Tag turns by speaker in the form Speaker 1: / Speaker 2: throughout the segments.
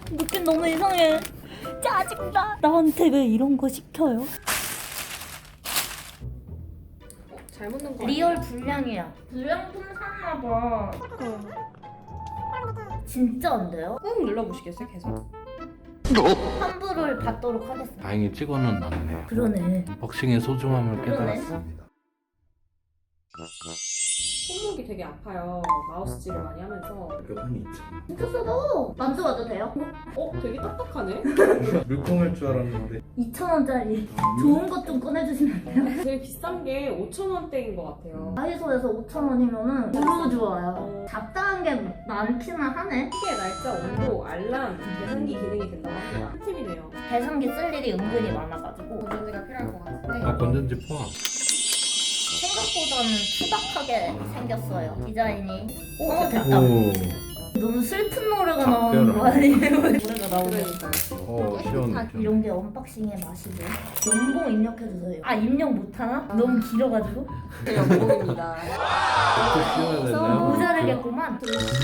Speaker 1: 느낌 너무 이상해. 짜증나. 나한테 왜 이런 거 시켜요?
Speaker 2: 잘못 넣은 거
Speaker 1: 리얼 불량이야. 불량품 샀나 봐. 진짜 안 돼요?
Speaker 2: 꾹 눌러보시겠어요? 계속?
Speaker 1: 환불을 받도록 하겠습니다.
Speaker 3: 다행히 찍어는 놨네요.
Speaker 1: 그러네.
Speaker 3: 복싱의 소중함을
Speaker 1: 그러네.
Speaker 3: 깨달았습니다.
Speaker 2: 손목이 되게 아파요. 마우스질을 많이 하면서.
Speaker 3: 몇번 있죠.
Speaker 1: 진짜 써도 만져봐도 돼요?
Speaker 2: 되게 딱딱하네?
Speaker 3: 물통일 줄 알았는데
Speaker 1: 2,000원짜리 좋은 것 좀 꺼내주시면 안 돼요?
Speaker 2: 되게 비싼 게 5,000원대인 것 같아요.
Speaker 1: 다이소에서 5,000원이면은 너무 좋아요. 잡다한 게 많기는 하네.
Speaker 2: 시계, 날짜, 온도, 알람, 계산기 기능이 된다고 합니다. 꿀팁이네요.
Speaker 1: 계산기 쓸 일이 은근히 많아가지고
Speaker 2: 건전지가 필요할 것 같은데.
Speaker 3: 건전지 포함.
Speaker 1: 생각보다는 투박하게 생겼어요. 디자인이. 됐다.
Speaker 3: 오.
Speaker 1: 너무 슬픈 노래가
Speaker 3: 작별을
Speaker 1: 나오는 거 아니에요? 노래가 나오네.
Speaker 2: 그러니까요.
Speaker 3: 시원해.
Speaker 1: 이런 게 언박싱의 맛이죠. 연봉 입력해주세요. 아 입력 못하나? 너무 길어가지고
Speaker 2: 제 연봉입니다.
Speaker 3: 씌워야 되나요?
Speaker 1: 모자르겠구만.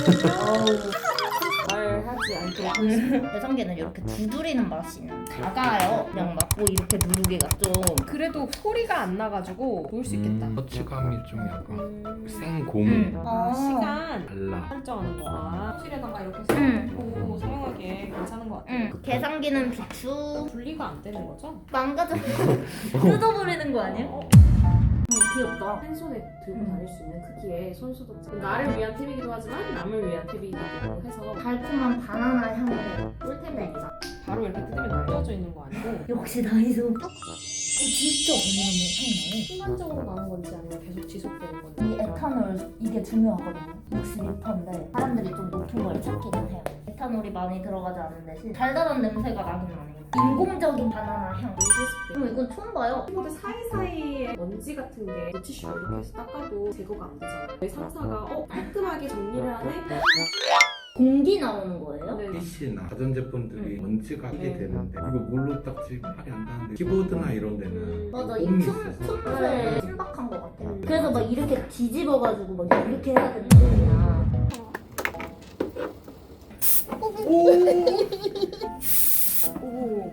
Speaker 2: 말하지 않도록.
Speaker 1: 계산기는 이렇게 두드리는 맛이 있는 작아요. 그냥 막 뭐 이렇게 누르기가 좀
Speaker 2: 그래도 소리가 안 나가지고 좋을 수 있겠다.
Speaker 3: 터치감이 좀 약간 생고무.
Speaker 2: 시간
Speaker 3: 달라.
Speaker 2: 설정하는 거. 사실에다가 이렇게
Speaker 1: 응.
Speaker 2: 쓰고 사용하기에 괜찮은 것 같아요.
Speaker 1: 계산기는 비추
Speaker 2: 분리가 안 되는 거죠?
Speaker 1: 망가져 뜯어버리는 거 아니에요? 귀엽다.
Speaker 2: 한 손에 들고 다닐 수 있는 크기의 손소독제. 나를 위한 팁이기도 하지만 남을 위한 팁이기도 해서
Speaker 1: 달콤한 바나나 향이 꿀템입니다.
Speaker 2: 바로 이렇게 뜯으면 떨어져 있는 거 아니고
Speaker 1: 역시 다이소. 진짜 바나나 향
Speaker 2: 순간적으로 나는 건지 아니면 계속 지속되는
Speaker 1: 나요.
Speaker 2: 건지.
Speaker 1: 이 에탄올 이게 중요하거든요. 62%인데 사람들이 좀 높은 걸 찾기는 해요. 에탄올이 많이 들어가지 않은 대신 달달한 냄새가 나긴 나네요. 인공적인 바나나 향. 이건 처음 봐요.
Speaker 2: 키보드 사이사이에 먼지 같은 게 물티슈로 이렇게 해서 닦아도 제거가 안 되잖아요. 저희 상사가 깔끔하게 정리를 하네?
Speaker 1: 공기 나오는 거예요?
Speaker 2: 네.
Speaker 3: PC나 가전제품들이 먼지가 이게 되는데 이거 물로 닦지 말이 안 나는데 키보드나 이런 데는
Speaker 1: 맞아, 이
Speaker 3: 홈이
Speaker 1: 틈새
Speaker 3: 있어서
Speaker 1: 신박한 것 같아요. 그래서 막 이렇게 뒤집어가지고 막 이렇게 해야 되는 거야.
Speaker 2: 오.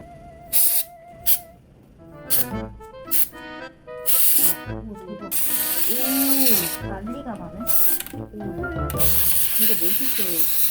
Speaker 1: 난리가 나네.
Speaker 2: 이거 물티슈.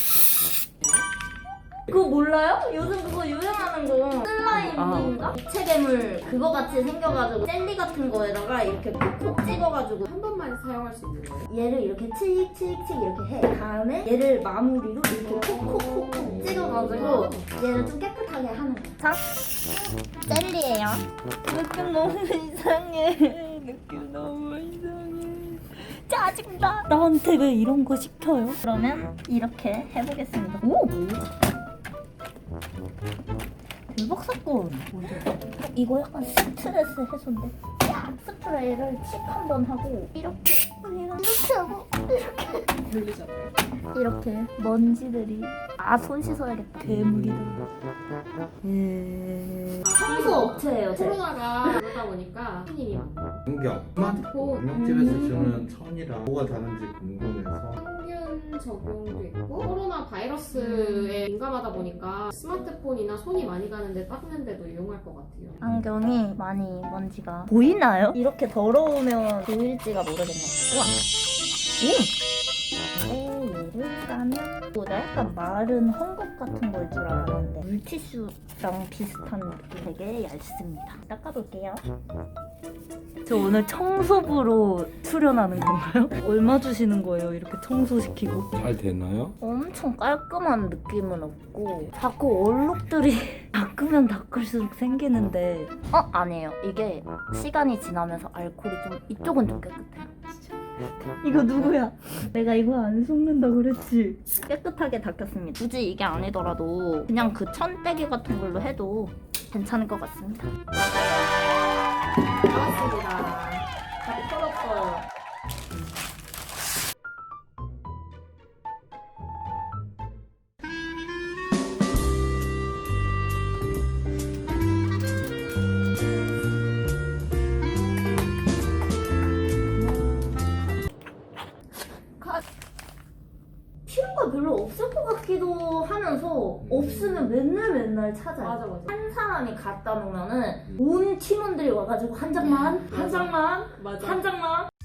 Speaker 1: 그거 몰라요? 요즘 그거 유행하는 거 슬라임인가? 입체 괴물 그거 같이 생겨가지고 젤리 같은 거에다가 이렇게 콕콕 찍어가지고
Speaker 2: 한 번만 사용할 수 있는 거예요?
Speaker 1: 얘를 이렇게 칙칙칙 이렇게 해. 다음에 얘를 마무리로 이렇게 콕콕콕콕 찍어가지고 얘를 좀 깨끗하게 하는 거야. 자, 젤리예요. 느낌 너무 이상해. 느낌 너무 이상해. 짜증나. 나한테 왜 이런 거 시켜요? 그러면 이렇게 해보겠습니다. 오! 대박 사건. 이거 약간 스트레스 해소인데. 야, 스프레이를 칙 한번 하고 이렇게 하고
Speaker 2: 들리잖아요.
Speaker 1: 이렇게 먼지들이 손 씻어야겠다. 괴물이다. 청소 업체예요.
Speaker 2: 코로나가 그러다 보니까 손님이 많고
Speaker 3: 공격
Speaker 2: 스마트폰
Speaker 3: 음식집에서 주는 천이랑 뭐가 다른지 궁금해서
Speaker 2: 평균 적용도 있고 코로나 바이러스에 민감하다 보니까 스마트폰이나 손이 많이 가는데 닦는데도 이용할 것 같아요.
Speaker 1: 안경이 많이 먼지가 보이나요? 이렇게 더러우면 보일지가 모르겠네요. 우와. 얘를 까면 이거 약간 마른 헝겊 같은 걸 줄 알았는데 물티슈랑 비슷한 느낌 되게 얇습니다. 닦아볼게요. 저 오늘 청소부로 출연하는 건가요? 얼마 주시는 거예요? 이렇게 청소시키고
Speaker 3: 잘 되나요?
Speaker 1: 엄청 깔끔한 느낌은 없고 자꾸 얼룩들이 닦으면 닦을수록 생기는데 아니에요. 이게 시간이 지나면서 알코올이 좀 이쪽은 좀 깨끗해요. 이거 누구야? 내가 이거 안 속는다 그랬지? 깨끗하게 닦였습니다. 굳이 이게 아니더라도 그냥 그 천빼기 같은 걸로 해도 괜찮을 것 같습니다.
Speaker 2: 나왔습니다.
Speaker 1: 다 털었어요. 필요가 별로 없을 것 같기도 하면서 없으면 왜냐면 맨날 찾아요.
Speaker 2: 맞아.
Speaker 1: 한 사람이 갖다 놓으면은 온 팀원들이 와가지고 한 장만, 한 장만,
Speaker 2: 맞아.
Speaker 1: 한 장만